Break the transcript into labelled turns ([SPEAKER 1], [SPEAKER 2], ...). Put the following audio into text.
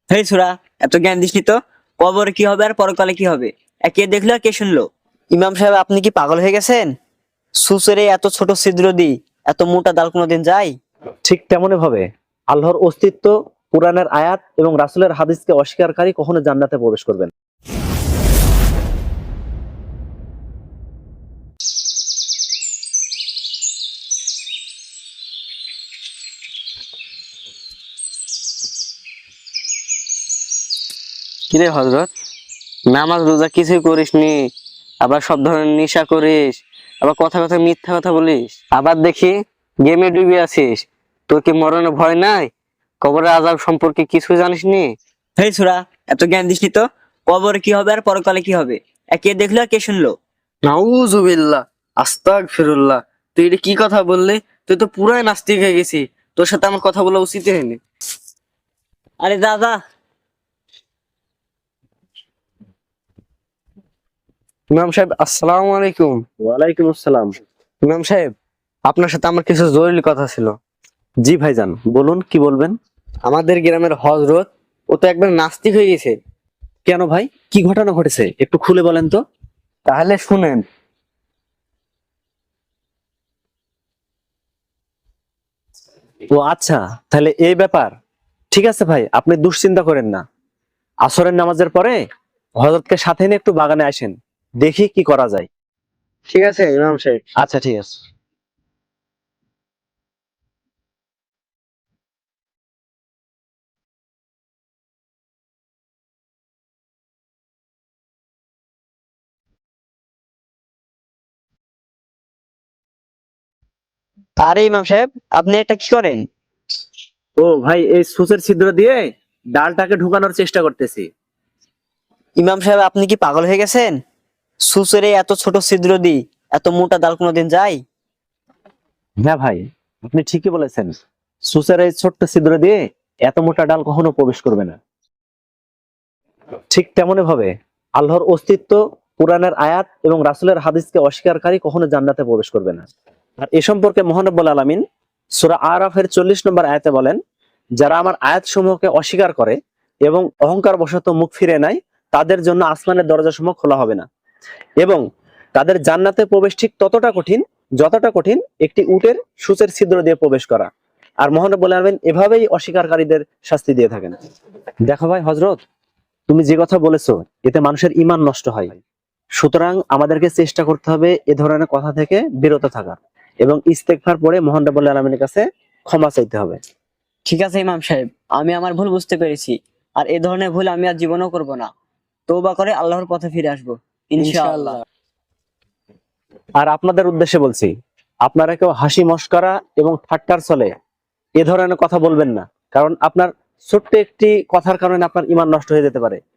[SPEAKER 1] হেই ছোড়া, এত জ্ঞান দিসনি তো। কবরে কি হবে আর পরকালে কি হবে, কে দেখলো আর কে শুনলো? ইমাম সাহেব, আপনি কি পাগল হয়ে গেছেন? সুসেরে এত ছোট ছিদ্র দি এত মোটা ডাল কোনোদিন যায়?
[SPEAKER 2] ঠিক তেমনি ভাবে আল্লাহর অস্তিত্ব, কোরআনের আয়াত এবং রাসূলের হাদিসকে অস্বীকারী কখনো জান্নাতে প্রবেশ করবে না।
[SPEAKER 3] কিরে হযরত, নামাজ রোজা কিছুই করিসনি, আবার সব ধরনের নেশা করিস, আবার কথা কথা মিথ্যা কথা বলিস, আবার দেখি গেমে ডুবে আছিস। তোর কি মরণে ভয় নাই? কবরের আযাব সম্পর্কে কিছু জানিস নি?
[SPEAKER 1] হেই ছোড়া, এত জ্ঞান দিসনি তো। কবরে কি হবে আর পরকালে কি হবে, কে দেখলো আর কে শুনলো?
[SPEAKER 3] নাউযুবিল্লাহ, আস্তাগফিরুল্লাহ। তুই এটা কি কথা বললি? তুই তো পুরাই নাস্তিক হয়ে গেছিস। তোর সাথে আমার কথা বলা উচিত হয়নি।
[SPEAKER 1] আরে যা যা।
[SPEAKER 3] ইমাম সাহেব, আসসালামু আলাইকুম।
[SPEAKER 2] ওয়ালাইকুম আসসালাম।
[SPEAKER 3] ইমাম সাহেব, আপনার সাথে আমার কিছু জরুরি কথা ছিল।
[SPEAKER 2] জি ভাইজান, বলুন কি বলবেন।
[SPEAKER 3] আমাদের গ্রামের হযরত, ও তো একবার নাস্তিক হয়ে গেছে।
[SPEAKER 2] কেন ভাই, কি ঘটনা ঘটেছে একটু খুলে বলেন তো।
[SPEAKER 3] তাহলে শুনেন।
[SPEAKER 2] ও আচ্ছা, তাহলে এই ব্যাপার। ঠিক আছে ভাই, আপনি দুশ্চিন্তা করেন না। আসরের নামাজের পরে হযরতকে সাথে নিয়ে একটু বাগানে আসেন, দেখি কি করা যায়।
[SPEAKER 3] ঠিক আছে ইমাম সাহেব।
[SPEAKER 2] আচ্ছা ঠিক আছে।
[SPEAKER 1] আরে ইমাম সাহেব, আপনি এটা কি করেন?
[SPEAKER 2] ও ভাই, এই সূচের ছিদ্র দিয়ে ডালটাকে ঢুকানোর চেষ্টা করতেছি।
[SPEAKER 1] ইমাম সাহেব, আপনি কি পাগল হয়ে গেছেন? সুসেরে এত ছোট ছিদ্র দি এত মোটা ডাল কোনোদিন যায়?
[SPEAKER 2] হ্যাঁ ভাই, আপনি ঠিকই বলেছেন। সূচের এই ছোট্ট ছিদ্র দিয়ে এত মোটা ডাল কখনো প্রবেশ করবে না। ঠিক তেমনি ভাবে আল্লাহর অস্তিত্ব, কোরআনের আয়াত এবং রাসূলের হাদিসকে অস্বীকারী কখনো জান্নাতে প্রবেশ করবে না। আর এ সম্পর্কে মহান রব্বুল আলামিন সূরা আরাফের 40 নম্বর আয়াতে বলেন, যারা আমার আয়াত সমূহকে অস্বীকার করে এবং অহংকার বশত মুখ ফিরে নেয়, তাদের জন্য আসমানের দরজাসমূহ খোলা হবে না এবং তাদের জান্নাতে প্রবেশ ঠিক ততটা কঠিন যতটা কঠিন একটি উটের সূচের ছিদ্র দিয়ে প্রবেশ করা। আর মহান রব্বুল আলামিন এভাবেই অস্বীকারীদের শাস্তি দিয়ে থাকেন। দেখো ভাই হযরত, তুমি যে কথা বলেছো এতে মানুষের ঈমান নষ্ট হয়। সুতরাং আমাদেরকে চেষ্টা করতে হবে এ ধরনের কথা থেকে বিরত থাকা এবং ইস্তেগফার পড়ে মহান রব্বুল আলামিনের কাছে ক্ষমা চাইতে হবে।
[SPEAKER 1] ঠিক আছে ইমাম সাহেব, আমি আমার ভুল বুঝতে পেরেছি। আর এ ধরনের ভুল আমি আর জীবনও করব না। তওবা করে আল্লাহর পথে ফিরে আসবো ইনশাআল্লাহ।
[SPEAKER 2] আর আপনাদের উদ্দেশ্যে বলছি, আপনারা কেউ হাসি মশকরা এবং ঠাট্টার ছলে এ ধরনের কথা বলবেন না, কারণ আপনার ছোট্ট একটি কথার কারণে আপনার ঈমান নষ্ট হয়ে যেতে পারে।